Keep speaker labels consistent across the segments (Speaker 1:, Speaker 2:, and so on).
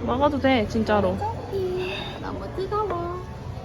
Speaker 1: 먹어도 돼, 진짜로.
Speaker 2: 너무 뜨거워.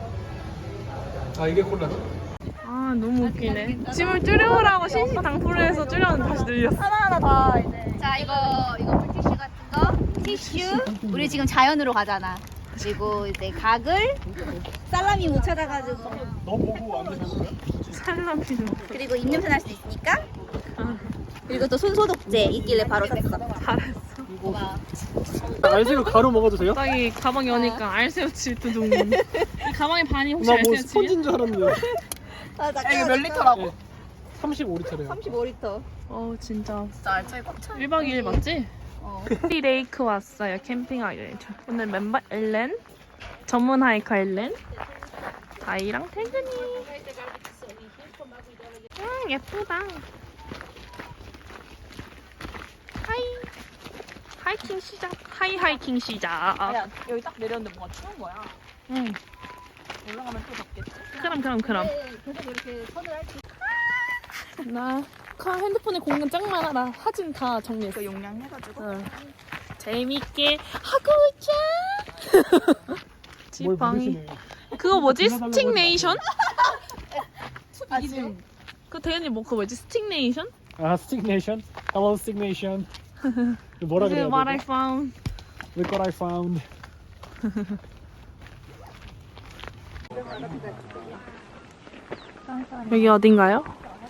Speaker 3: 아 이게 콜라다?
Speaker 1: 아, 너무 웃기네. 짐을 줄여오라고 신신당부를 해서 줄였는데 다시 늘렸어.
Speaker 2: 하나하나 다 이제. 자, 이거 물티슈 같은 거. 티슈. 우리 지금 자연으로 가잖아. 그리고 이제 가글. 살라미 못 찾아가지고.
Speaker 3: 너 보고 안 되셨어요?
Speaker 1: 살라미는.
Speaker 2: 그리고 입냄새 날 수도 있으니까. 그리고 또 손소독제 있길래 바로 샀어.
Speaker 1: 잘했어.
Speaker 3: 알새우 가루 먹어도 돼요?
Speaker 1: 딱이 가방에 오니까 알새우칩 두둥. 이 가방의 반이 혹시
Speaker 3: 나 뭐
Speaker 1: 알새우칩이야?
Speaker 3: 스펀지인 줄 알았는데.
Speaker 2: 아,
Speaker 4: 이거 몇 리터라고?
Speaker 3: 35리터래요.
Speaker 2: 35리터.
Speaker 1: 진짜.
Speaker 4: 진짜 알차게 꽉 차.
Speaker 1: 1박 2일 맞지? 레이크 왔어요. 캠핑하기로. 오늘 멤버 엘렌, 전문 하이커 엘렌, 다이랑 태근이. 예쁘다. 하이킹 시작. 하이킹 시작.
Speaker 4: 아니야, 여기 딱 내렸는데 뭔가 추운 거야.
Speaker 1: 응.
Speaker 4: 올라가면 또 덥겠지.
Speaker 1: 그럼.
Speaker 2: 계속 이렇게 선을 할 수.
Speaker 1: 나 핸드폰에 공간 짱 많아. 사진 다 정리했어.
Speaker 4: 그 용량 해가지고.
Speaker 1: 응. 재밌게 하고 있자.
Speaker 3: 뭘
Speaker 1: 지팡이.
Speaker 3: 모르시네.
Speaker 1: 그거 뭐지? 스틱네이션?
Speaker 4: 아, 지금.
Speaker 1: 그 대현이 뭐 그거 뭐지? 스틱네이션?
Speaker 3: 아 스틱네이션? Hello 스틱네이션. 뭐라
Speaker 1: This
Speaker 3: 그래야
Speaker 1: is what I
Speaker 3: 돼?
Speaker 1: found.
Speaker 3: Look what I found.
Speaker 1: 여기 어딘가요?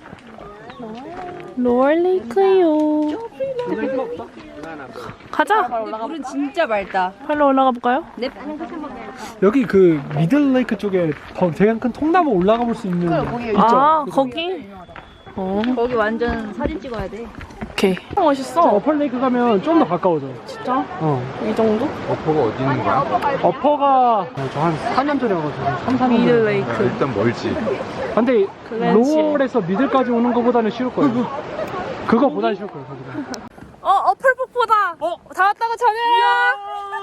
Speaker 1: 로얼레이크요. 가자.
Speaker 2: 물은 진짜 맑다.
Speaker 1: 팔로 올라가 볼까요?
Speaker 2: 넵.
Speaker 3: 여기 그 미들레이크 쪽에 더 되게 큰 통나무 올라가 볼 수 있는 있죠?
Speaker 1: 아, 거기.
Speaker 2: 거기 완전 사진 찍어야 돼.
Speaker 1: 오케이. 멋있어.
Speaker 3: 어펄레이크 가면 좀 더 가까워져.
Speaker 1: 진짜?
Speaker 3: 어.
Speaker 1: 이 정도?
Speaker 5: 어퍼가 어디 있는 거야?
Speaker 3: 어퍼가 저 한 4년 전에 와가지고 3, 4년 전에.
Speaker 1: 미들레이크.
Speaker 5: 일단 멀지.
Speaker 3: 근데
Speaker 1: 글렌실.
Speaker 3: 로얼에서 미들까지 오는 것보다는 쉬울 거예요. 그거보다는 쉬울 거예요. 거기가.
Speaker 1: 어플북보다. 다 왔다고 전해라.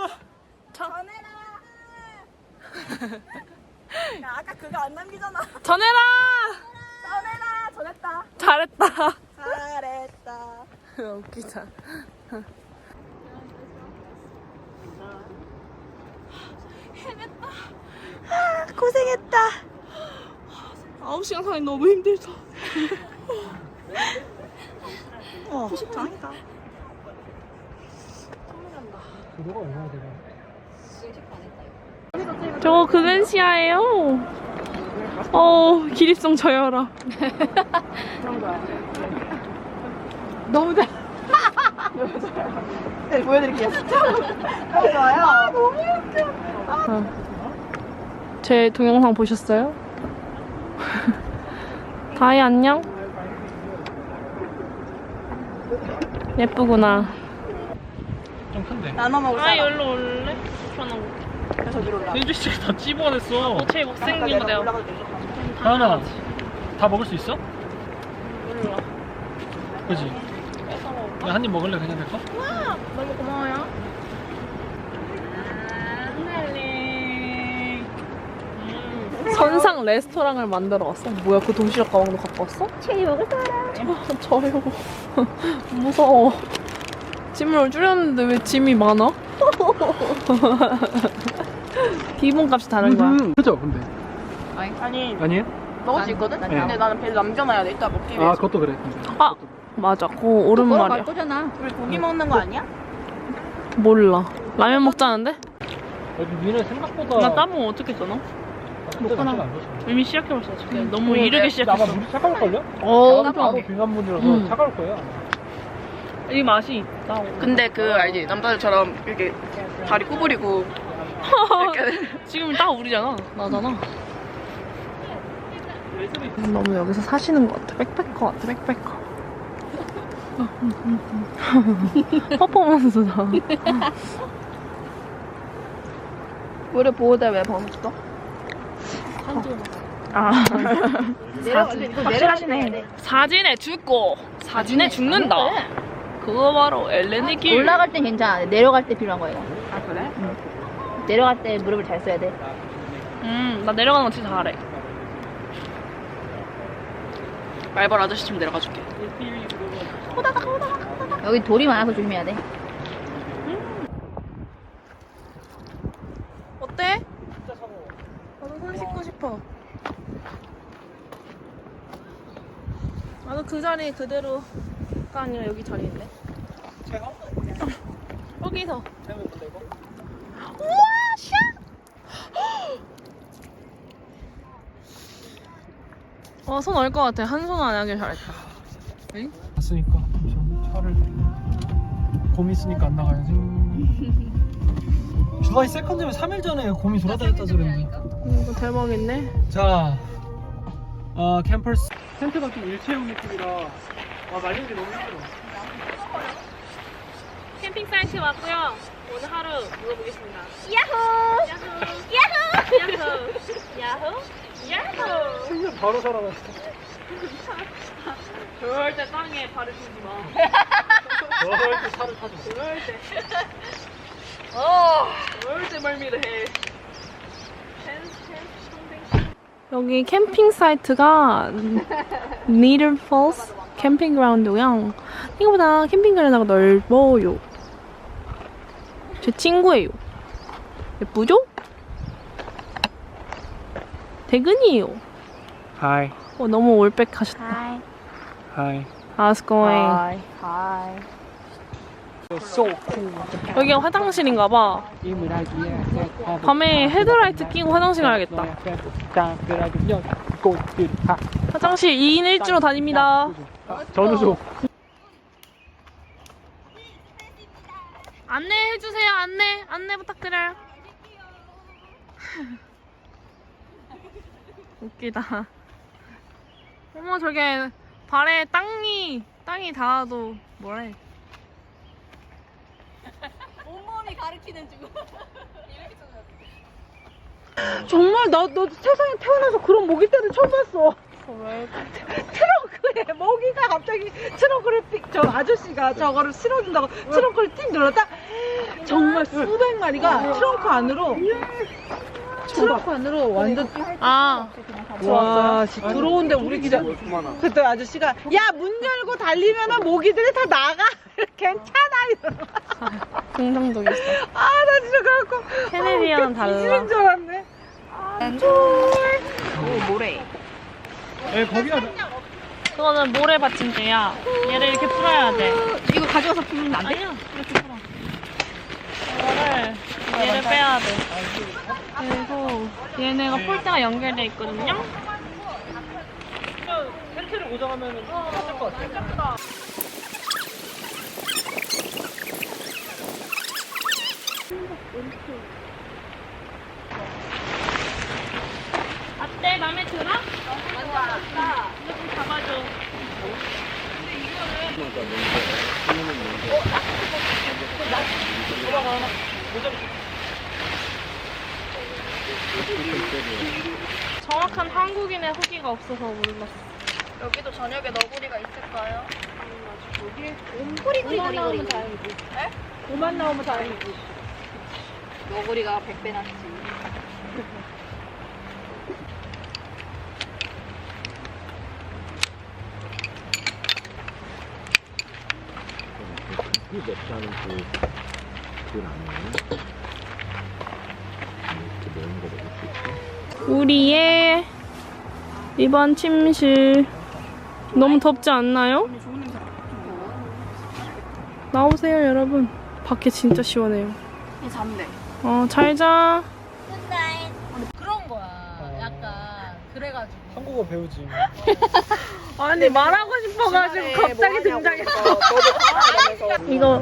Speaker 4: 야, 아까 그거 안 남기잖아.
Speaker 1: 전해라.
Speaker 4: 전해라. 전했다.
Speaker 1: 잘했다.
Speaker 4: 잘했다.
Speaker 1: 웃기다.
Speaker 4: 고생했다.
Speaker 1: 9시간 산이 너무 힘들다.
Speaker 4: 짱이다.
Speaker 3: 그거가 얼마나 되나?
Speaker 1: 저거 그랜시아예요. 기립성 저열아.
Speaker 4: 너무 잘. 네, 보여드릴게요. 너무 좋아요. 아, 너무 웃겨.
Speaker 1: 제 동영상 보셨어요? 다이 안녕? 예쁘구나.
Speaker 3: 좀 큰데.
Speaker 4: 나눠 먹을 사람.
Speaker 1: 여기로 올래? 편하고.
Speaker 4: 저기로 올라.
Speaker 3: 세주 씨다 찝어냈어.
Speaker 1: 제일 못생긴 거 내가.
Speaker 4: 올라가도 되죠?
Speaker 3: 하나 다 먹을 수 있어?
Speaker 1: 몰라.
Speaker 3: 그지? 한 입 먹을래 그냥 내 거?
Speaker 1: 너무 고마워요. 선상 레스토랑을 만들어 왔어. 뭐야, 그 도시락 가방도 갖고 왔어?
Speaker 2: 체리 먹을 사람.
Speaker 1: 저요. 무서워. 짐을 줄였는데 왜 짐이 많아? 기본값이 다른 거야.
Speaker 3: 그죠? 근데
Speaker 4: 아니,
Speaker 3: 아니에요?
Speaker 4: 먹을 수 있거든?
Speaker 3: 네.
Speaker 4: 근데 나는 배를 남겨놔야 돼. 이따 먹기
Speaker 3: 아
Speaker 4: 위해서.
Speaker 3: 그것도 그래. 근데.
Speaker 1: 아, 맞아. 그거 옳은
Speaker 2: 걸어갈
Speaker 1: 말이야.
Speaker 2: 거잖아.
Speaker 4: 우리 고기 먹는 거 아니야?
Speaker 1: 몰라. 라면 먹자는데?
Speaker 3: 여기 위는 생각보다.
Speaker 1: 나 따봉 어떻게 써너?
Speaker 3: 먹거나.
Speaker 1: 이미 시작해봤어. 지금 너무 이르게
Speaker 3: 아마
Speaker 1: 시작했어.
Speaker 3: 물이 차가울걸요?
Speaker 1: 엄청.
Speaker 3: 바로 빙하문이라서 차가울 거예요.
Speaker 1: 이 맛이 있다.
Speaker 4: 근데 그 알지? 남자들처럼 이렇게 다리 구부리고 이렇게.
Speaker 1: 지금 딱 우리잖아. 나잖아. 너무 여기서 사시는 것 같아. 백패커 같아. 백패커. 퍼포먼스다.
Speaker 4: 물에 보호대 왜 벗었어?
Speaker 1: 아.
Speaker 4: 확실하시네.
Speaker 1: 사진에 죽고 사진에 죽는다. 그거 바로 엘렌의 길.
Speaker 2: 올라갈 땐 괜찮아. 내려갈 때 필요한 거야.
Speaker 4: 아, 그래?
Speaker 2: 내려갈 때 무릎을 잘 써야 돼.
Speaker 1: 나 내려가는 거 진짜 잘해.
Speaker 4: 말벌 아저씨쯤 내려가 줄게.
Speaker 2: 여기 돌이 많아서 조심해야 돼.
Speaker 1: 어때? 나도 손 씻고 싶어. 나도 그 자리 그대로가 아니라 여기 자리 있네.
Speaker 3: 제가?
Speaker 1: 여기서.
Speaker 3: 제가 못 내고.
Speaker 1: 우와, 샤! 손 얼 것 같아. 한 손 안 하길 잘했다.
Speaker 3: 갔으니까 저 차를 곰이 있으니까 안 나가야지. 주바이 세컨드면 3일 전에 곰이 돌아다녔다 그랬는데.
Speaker 1: 이거 대박인데?
Speaker 3: 자, 캠퍼스 텐트가 좀 일체형 느낌이라 말리는 게 너무 힘들어.
Speaker 1: 캠핑 사이트 왔고요. 오늘 하루 물어보겠습니다.
Speaker 2: 야호!
Speaker 1: 야호! 야호! 야호! 야호!
Speaker 3: 생전 바로 살아났어.
Speaker 1: 절대 땅에 발을 딛지 마.
Speaker 3: 절대 차를 타지 마.
Speaker 1: 절대. 절대 멀미를 해. 여기 캠핑 사이트가 니들 폴스 캠핑그라운드고요. 생각보다 캠핑 그라운드가 넓어요. 제 친구예요. 예쁘죠? 대근이에요.
Speaker 3: Hi.
Speaker 1: 너무 올백하셨다.
Speaker 2: Hi.
Speaker 3: Hi.
Speaker 1: How's going?
Speaker 2: Hi.
Speaker 3: So cool.
Speaker 1: 여기가 화장실인가봐. 밤에 헤드라이트 끼고 화장실 가야겠다. 화장실 2인 1주로 다닙니다.
Speaker 3: 전우조.
Speaker 1: 안내해주세요. 안내 부탁드려요. 웃기다. 어머, 저게 발에 땅이 닿아도 뭐래.
Speaker 2: 온몸이 가리키는 중.
Speaker 5: 정말 너 세상에 태어나서 그런 모기떼를 처음 봤어. 트렁크에 모기가 갑자기 트렁크를 저 아저씨가 저거를 실어준다고 트렁크를 틱 눌렀다. 정말 수백 마리가 트렁크 안으로 완전 와 들어오는데 우리 기자 그때 아저씨가 야 문 열고 달리면은 모기들이 다 나가 괜찮아 이러고.
Speaker 1: 긍정적이었어.
Speaker 5: 나 진짜 그래갖고
Speaker 1: 캐네디언 달라.
Speaker 5: 뒤지는 줄 알았네.
Speaker 2: 오, 모래.
Speaker 3: 네, 거기가
Speaker 1: 그거는 모래 받침대야. 얘를 이렇게 풀어야 돼.
Speaker 2: 이거 가져와서 부르면 안 돼?
Speaker 1: 아니야, 이렇게 풀어. 이거를 얘를 빼야 돼. 그리고 얘네가 폴대가 연결돼 있거든요.
Speaker 3: 텐트를 고정하면 할 것 같아.
Speaker 1: 어때? 맘에 들어? 완전 좋다. 이거 좀 잡아줘. 정확한 한국인의 후기가 없어서 몰랐어.
Speaker 4: 여기도 저녁에 너구리가 있을까요?
Speaker 2: 꼬리꼬리.
Speaker 5: 오만 나오면 다행이지.
Speaker 2: 너구리가 100배 낫지.
Speaker 6: 맵지 않은 그건 아니에요. 이렇게 매운 거 먹을 수 있고.
Speaker 1: 우리의 이번 침실 너무 덥지 않나요? 나오세요 여러분. 밖에 진짜 시원해요.
Speaker 2: 얘 잔대.
Speaker 1: 잘 자.
Speaker 2: 그런 거야. 약간 그래가지고.
Speaker 3: 한국어 배우지.
Speaker 1: 아니 말하고 싶어가지고 갑자기 등장했어. 이거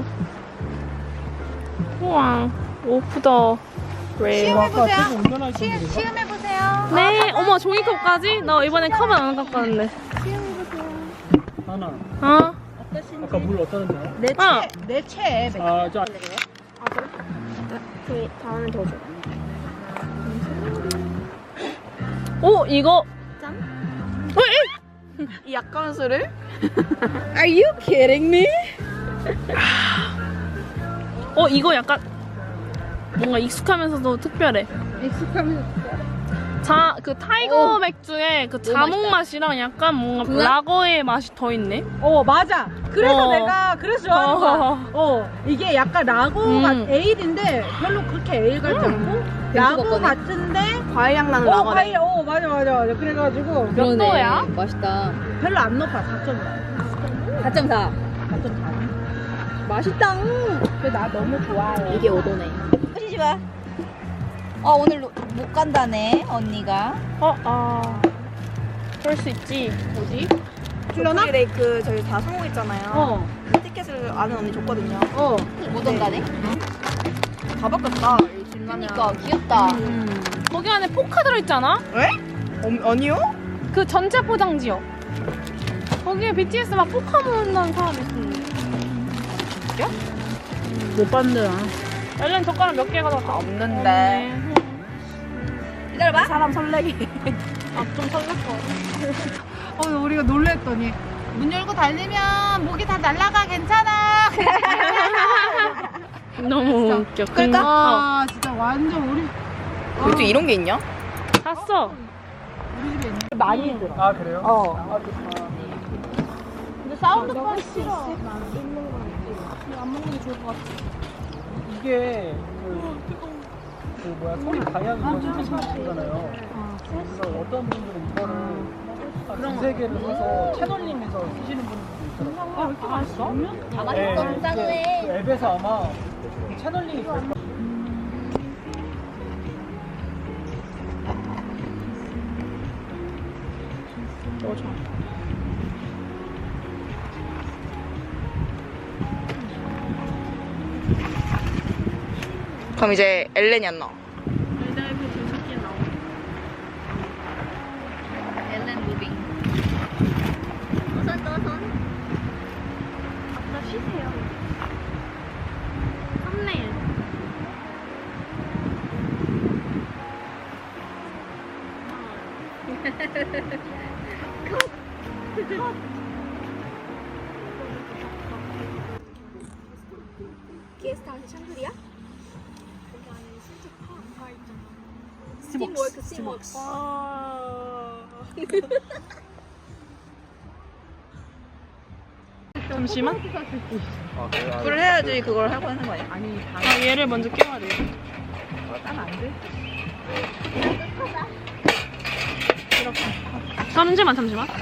Speaker 1: 우와 오프 더 레일.
Speaker 3: 아까 되게 운전할 텐데.
Speaker 2: 시음해보세요.
Speaker 1: 네, 어머 종이컵까지? 나 이번에 컵은 안 갖고
Speaker 3: 하나.
Speaker 1: 왔는데.
Speaker 3: 아까 물 어떠는지 알아?
Speaker 5: 내 채.
Speaker 3: 저
Speaker 1: 그 다음에 더 줘. 오 이거 짠.
Speaker 4: 이 약간술을?
Speaker 5: Are you kidding me?
Speaker 1: 이거 약간 뭔가 익숙하면서도 특별해.
Speaker 5: 익숙하면
Speaker 1: 그 타이거 맥주의 그 자몽 맛이랑 약간 뭔가 라거의 맛이 더 있네.
Speaker 5: 맞아. 그래서
Speaker 1: 어.
Speaker 5: 내가 그래서 좋아하는 거야. 이게 약간 라거가 에일인데 별로 그렇게 에일 같지 않고 라거 같은데
Speaker 4: 과일향 나는 라거네.
Speaker 5: 과일 맞아. 그래가지고
Speaker 1: 몇 도야?
Speaker 2: 맛있다.
Speaker 5: 별로 안 높아. 4.4.
Speaker 2: 4.4.
Speaker 5: 4.4.
Speaker 2: 맛있다.
Speaker 5: 근데 나 너무 좋아해.
Speaker 2: 이게 5도네. 하시지 마. 오늘 못 간다네, 언니가.
Speaker 1: 그럴 수 있지. 뭐지?
Speaker 4: 플러나? 레이크 저희 다 성공했잖아요. 티켓을 아는 언니 줬거든요.
Speaker 2: 못 온다네.
Speaker 4: 다 바꿨다.
Speaker 2: 그러니까 귀엽다.
Speaker 1: 거기 안에 포카 들어있잖아?
Speaker 4: 아니요?
Speaker 1: 그 전체 포장지요. 거기에 BTS 막 포카 모은다는 사람이 있었는데.
Speaker 5: 못 봤는데.
Speaker 1: 엘렌 젓가락 몇 개 가져왔다?
Speaker 4: 없는데.
Speaker 2: 기다려봐.
Speaker 4: 사람 설레게.
Speaker 1: 좀 설렜어.
Speaker 5: 우리가 놀랬더니 문 열고 달리면 목이 다 날아가 괜찮아.
Speaker 1: 너무 웃겨.
Speaker 5: 아 진짜 완전 우리
Speaker 4: 요즘 이런 게 있냐?
Speaker 1: 샀어.
Speaker 5: 집에 있는.
Speaker 4: 많이 힘들어.
Speaker 3: 아 그래요?
Speaker 1: 근데 사운드 파 싫어.
Speaker 3: 이게 그 뭐야 소리 방향이 거잖아요. 그래서 어떤 분들은 이거를 두세 개를 사서 채널링해서 쓰시는 분들도 있더라고요.
Speaker 1: 왜 이렇게 맛있어?
Speaker 2: 다 맛있어.
Speaker 3: 이게
Speaker 2: 짠해.
Speaker 3: 그 앱에서 아마 채널링이 될 거예요.
Speaker 4: 그럼 이제 엘렌이 안 나와.
Speaker 2: 엘렌 무빙. 손.
Speaker 1: 아까 쉬세요. 썸네일.
Speaker 2: 게스트하우스 샹그리야? 스팀워크.
Speaker 1: 잠시만.
Speaker 4: 불을 해야지 그걸 하고 하는 거 아니야?
Speaker 1: 얘를 먼저 깨워야 돼. 잠시만.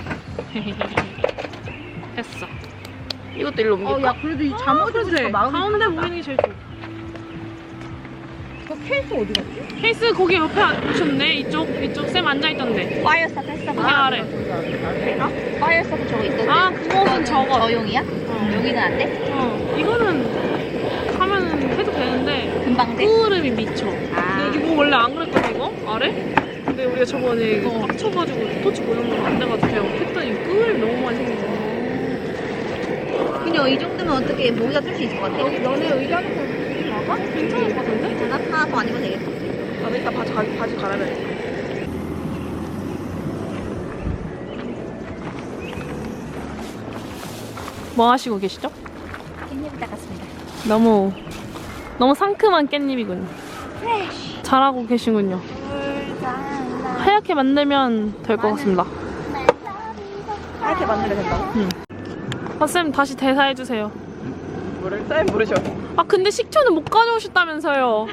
Speaker 1: 됐어.
Speaker 4: 이것도 일로 옮길까?
Speaker 5: 야 그래도 이 잠옷에서 마음이
Speaker 1: 가운데 보이는 게 제일 좋아.
Speaker 5: 그 케이스 어디 갔지?
Speaker 1: 케이스 거기 옆에 앉으셨네. 이쪽 쌤 앉아있던데.
Speaker 2: 파이어 스타트 했어.
Speaker 1: 거기 아래.
Speaker 2: 파이어 스타트 저거 있던데.
Speaker 1: 아 그거는 저거.
Speaker 2: 저용이야? 여기는 안 돼?
Speaker 1: 이거는 하면 해도 되는데
Speaker 2: 금방 돼?
Speaker 1: 끄름이 미쳐.
Speaker 2: 아.
Speaker 1: 근데 이거 원래 안 그랬거든 이거? 아래? 근데 우리가 저번에 이거 빡쳐가지고 토치 고정도 안 돼가지고 그냥 했더니 끄름이 너무 많이 생기잖아.
Speaker 2: 그냥 이 정도면 어떻게 모기가 뜰 수 있을 것 같아?
Speaker 1: 너네 의자는 나가? 괜찮을 것 같은데?
Speaker 2: 괜찮아? 하나 더 아니면 되겠다.
Speaker 4: 나도 이따 바지 갈아야겠다.
Speaker 1: 뭐 하시고 계시죠?
Speaker 2: 깻잎 닦았습니다.
Speaker 1: 너무 상큼한 깻잎이군요. 잘하고 계시군요. 하얗게 만들면 될 것 같습니다.
Speaker 4: 하얗게 만들면 된다고?
Speaker 1: 쌤 다시 대사해주세요.
Speaker 4: 뭐를 쌤 모르셔.
Speaker 1: 근데 식초는 못 가져오셨다면서요.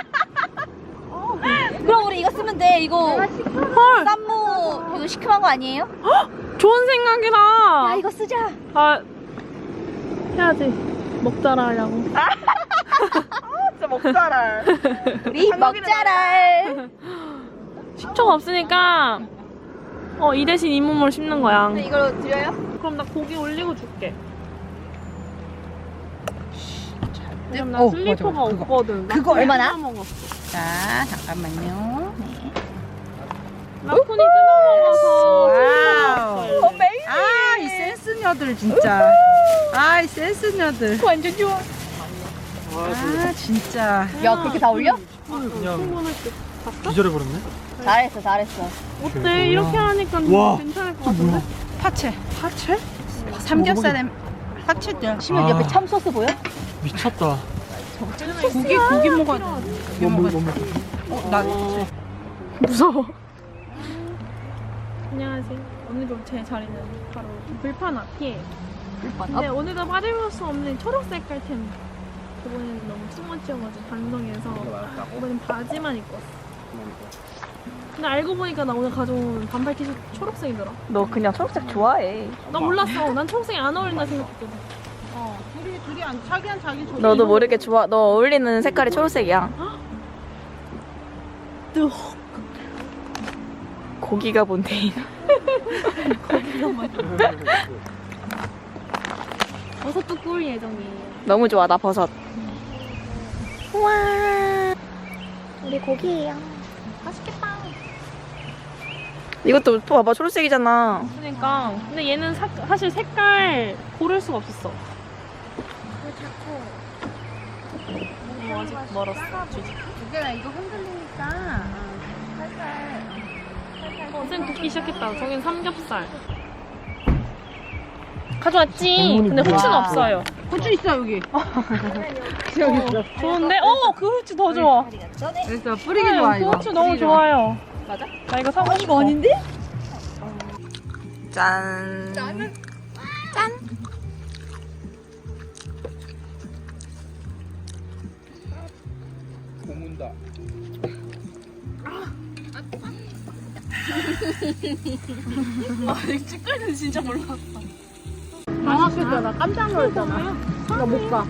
Speaker 2: 그럼 우리 이거 쓰면 돼. 이거
Speaker 1: 헐,
Speaker 2: 쌈무 이거 시큼한 거 아니에요?
Speaker 1: 좋은 생각이다.
Speaker 2: 야 이거 쓰자.
Speaker 1: 해야지. 먹자라 하려고.
Speaker 4: 진짜 먹자라.
Speaker 2: 우리 먹자랄.
Speaker 1: 식초가 없으니까 이 대신 잇몸을 씹는 거야.
Speaker 2: 이걸 드려요?
Speaker 1: 그럼 나 고기 올리고 줄게. 왜냐면 나 슬리퍼가
Speaker 5: 맞아, 그거.
Speaker 1: 없거든. 나
Speaker 5: 그거
Speaker 2: 얼마나?
Speaker 1: 뜯어먹었어.
Speaker 5: 자 잠깐만요.
Speaker 1: 라쿤이 뜯어먹어서
Speaker 5: 와우.
Speaker 1: 뜯어먹었어.
Speaker 5: 이 센스녀들 진짜. 이 센스녀들.
Speaker 2: 완전 좋아.
Speaker 5: 진짜.
Speaker 2: 야 그렇게 다 올려?
Speaker 3: 그냥 기절해버렸네.
Speaker 2: 잘했어.
Speaker 1: 어때? 이렇게 하니까
Speaker 3: 와.
Speaker 1: 괜찮을 것 같은데?
Speaker 5: 파채. 삼겹살에 파채들.
Speaker 2: 시면 옆에 참 소스 보여?
Speaker 3: 미쳤다.
Speaker 5: 고기 먹어야 돼. 고기 먹어야 돼.
Speaker 3: 너무
Speaker 5: 나
Speaker 1: 무서워. 안녕하세요. 오늘도 제 자리는 바로 불판 앞이에요. 근데 오늘도 빠질 수 없는 초록 색깔 템. 저번에는 너무 투머치여가지고 반성해서 이번엔 바지만 입고 왔어. 근데 알고 보니까 나 오늘 가져온 반팔 티셔츠 초록색이더라.
Speaker 4: 너 그냥 초록색 좋아해.
Speaker 1: 나 몰랐어. 난 초록색이 안 어울린다 생각했거든.
Speaker 5: 둘이 안 자기한 자기 좋아.
Speaker 4: 너도 모르게 좋아. 너 어울리는 색깔이 초록색이야. 고기가 뭔데?
Speaker 1: 버섯도 구울 예정이에요.
Speaker 4: 너무 좋아. 나 버섯. 우와.
Speaker 2: 우리 고기예요.
Speaker 1: 맛있겠다.
Speaker 4: 이것도 봐봐. 초록색이잖아.
Speaker 1: 그러니까. 근데 얘는 사실 색깔 고를 수가 없었어. 아직 멀었어.
Speaker 2: 두개가 이거 흔들리니까 살살.
Speaker 1: 쌤 굽기 시작했다. 저긴 삼겹살. 가져왔지. 근데 후추는 없어요.
Speaker 5: 후추 있어 여기.
Speaker 1: 좋은데? 그 후추 더 좋아.
Speaker 5: 그래서 뿌리기 좋아
Speaker 1: 그
Speaker 5: 이거.
Speaker 1: 후추 너무 좋아요. 맞아? 나 이거 사고 싶어.
Speaker 2: 아닌데?
Speaker 4: 짠.
Speaker 3: 고문다.
Speaker 1: 찌꺼기는 진짜 몰랐어.
Speaker 5: 맛있겠다. 나 깜짝 놀랐잖아. 나 못 가.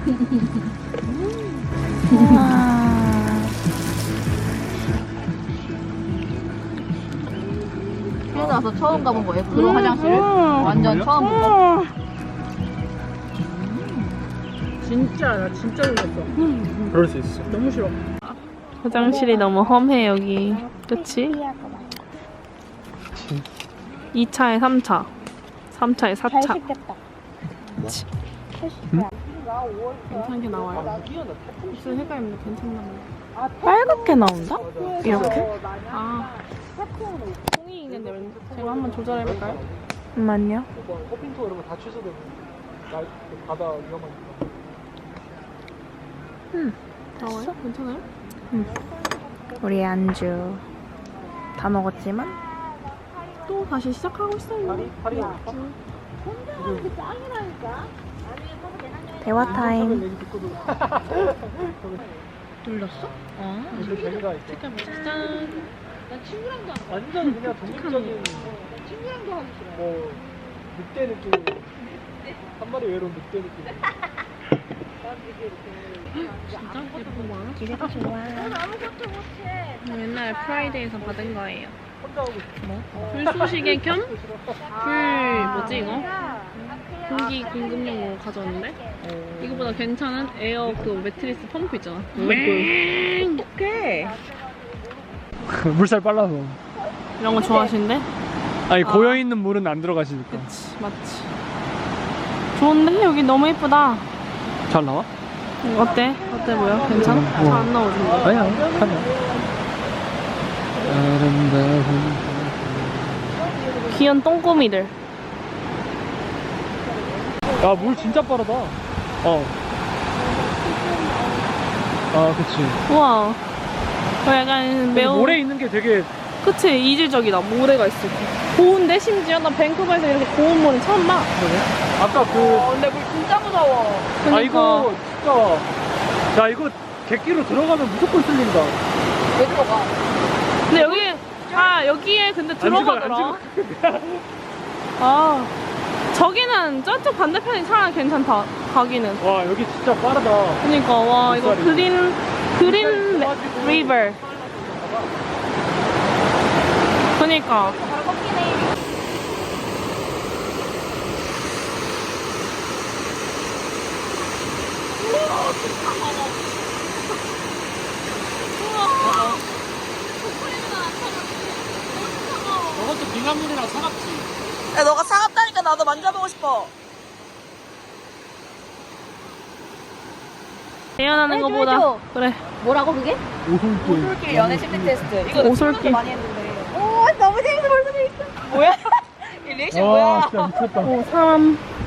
Speaker 2: 태어나서 처음 가본 거예요. 그런 화장실. 완전 처음 본 거.
Speaker 5: 진짜 나 진짜 놀랐어.
Speaker 3: 그럴 수 있어.
Speaker 5: 너무 싫어.
Speaker 1: 화장실이 너무 험해 여기. 그치? 2차에 3차. 3차에 4차. 괜찮게 나와요. 무슨 색깔인데 괜찮나 봐요.
Speaker 4: 빨갛게 나온다? 이렇게?
Speaker 1: 아, 콩이 있는데 제가 한번 조절해볼까요?
Speaker 4: 잠깐만요.
Speaker 3: 호핑 투어 이런 거 다 취소되고 바다 위험하니까.
Speaker 1: 나와요? 괜찮아요?
Speaker 4: 우리 안주 다 먹었지만
Speaker 1: 또 다시 시작하고 있어요.
Speaker 3: 파리
Speaker 4: 대화 타임.
Speaker 3: 얘기 듣고도
Speaker 1: 눌렀어?
Speaker 3: 이제 재미가 있어.
Speaker 1: 색깔 짠.
Speaker 3: 완전 그냥 독립적인 친구랑도 하기 싫어. 뭐 늑대 느낌. 한 마리 외로운 늑대 느낌.
Speaker 1: 진짜 예쁜 거 많아? 기세가 좋아. 옛날 프라이데이에서 받은 거예요.
Speaker 3: 혼자 하고 싶어.
Speaker 1: 불쏘시개 겸 뭐지 이거? 공기 공급용으로 가져왔는데 이거보다 괜찮은 에어 그 매트리스 펌프 있잖아.
Speaker 4: 오케이.
Speaker 3: 물살 빨라서.
Speaker 1: 이런 거 좋아하시는데?
Speaker 3: 아니 고여 있는 물은 안 들어가시니까.
Speaker 1: 그치 맞지. 좋은데 여기 너무 예쁘다.
Speaker 3: 잘 나와?
Speaker 1: 어때? 어때 보여? 괜찮아? 잘 안 나오던데.
Speaker 3: 아니야. 아니야. 아름다운.
Speaker 1: 귀여운 똥꼬미들.
Speaker 3: 야, 물 진짜 빠르다. 그치.
Speaker 1: 우와. 약간 매우
Speaker 3: 모래 있는 게 되게.
Speaker 1: 그치 이질적이다. 모래가 있어. 고운데 심지어 나 밴쿠버에서 이렇게 고운 모래 처음 봐.
Speaker 3: 아까
Speaker 4: 근데 물 진짜 무서워.
Speaker 3: 아, 이거 진짜. 야, 이거 객기로 들어가면 무조건 뚫린다.
Speaker 4: 왜 들어가?
Speaker 1: 근데 여기에 근데 들어가더라. 아 저기는 저쪽 반대편이 차라리 괜찮다. 가기는.
Speaker 3: 와, 여기 진짜 빠르다.
Speaker 1: 그니까 와 이거
Speaker 3: 물살이.
Speaker 1: 그린 리버. 그니까.
Speaker 3: 저것도 빙하물이랑 차갑지.
Speaker 4: 야, 너가 차갑다니까 나도 만져보고 싶어.
Speaker 1: 대연하는 거보다 그래.
Speaker 2: 뭐라고 그게?
Speaker 4: 오솔길 연애 심리 테스트. 이거
Speaker 1: 오솔길.
Speaker 4: 많이 했는데.
Speaker 2: 오 너무 재밌어 벌써 재밌어.
Speaker 4: 뭐야? 이 리액션 뭐야?
Speaker 3: 진짜 미쳤다.
Speaker 1: 5, 3,